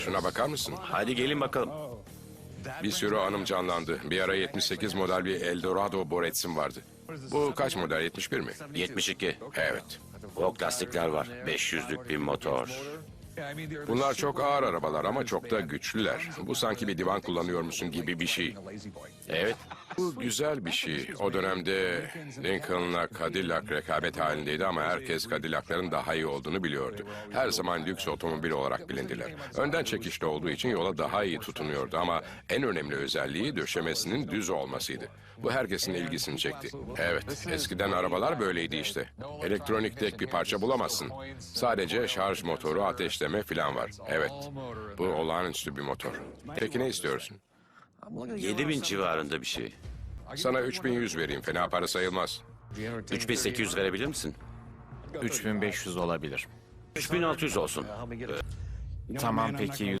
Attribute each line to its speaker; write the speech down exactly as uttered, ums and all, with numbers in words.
Speaker 1: Şuna bakar mısın?
Speaker 2: Hadi gelin bakalım.
Speaker 1: Bir sürü anım canlandı. Bir ara yetmiş sekiz model bir Eldorado Boretsim vardı. Bu kaç model? yetmiş bir mi?
Speaker 2: yetmiş iki.
Speaker 1: Evet.
Speaker 2: Ok lastikler var. beş yüzlük bir motor.
Speaker 1: Bunlar çok ağır arabalar ama çok da güçlüler. Bu sanki bir divan kullanıyormuşsun gibi bir şey.
Speaker 2: Evet.
Speaker 1: Bu güzel bir şey. O dönemde Lincoln'la Cadillac rekabet halindeydi ama herkes Cadillac'ların daha iyi olduğunu biliyordu. Her zaman lüks otomobil olarak bilindiler. Önden çekişli olduğu için yola daha iyi tutunuyordu ama en önemli özelliği döşemesinin düz olmasıydı. Bu herkesin ilgisini çekti. Evet, eskiden arabalar böyleydi işte. Elektronik tek bir parça bulamazsın. Sadece şarj motoru, ateşleme falan var. Evet, bu olağanüstü bir motor. Peki ne istiyorsun?
Speaker 2: yedi bin civarında bir şey.
Speaker 1: Sana üç bin yüz vereyim, fena para sayılmaz.
Speaker 2: üç bin sekiz yüz verebilir misin?
Speaker 3: üç bin beş yüz olabilir.
Speaker 2: üç bin altı yüz olsun.
Speaker 3: Tamam peki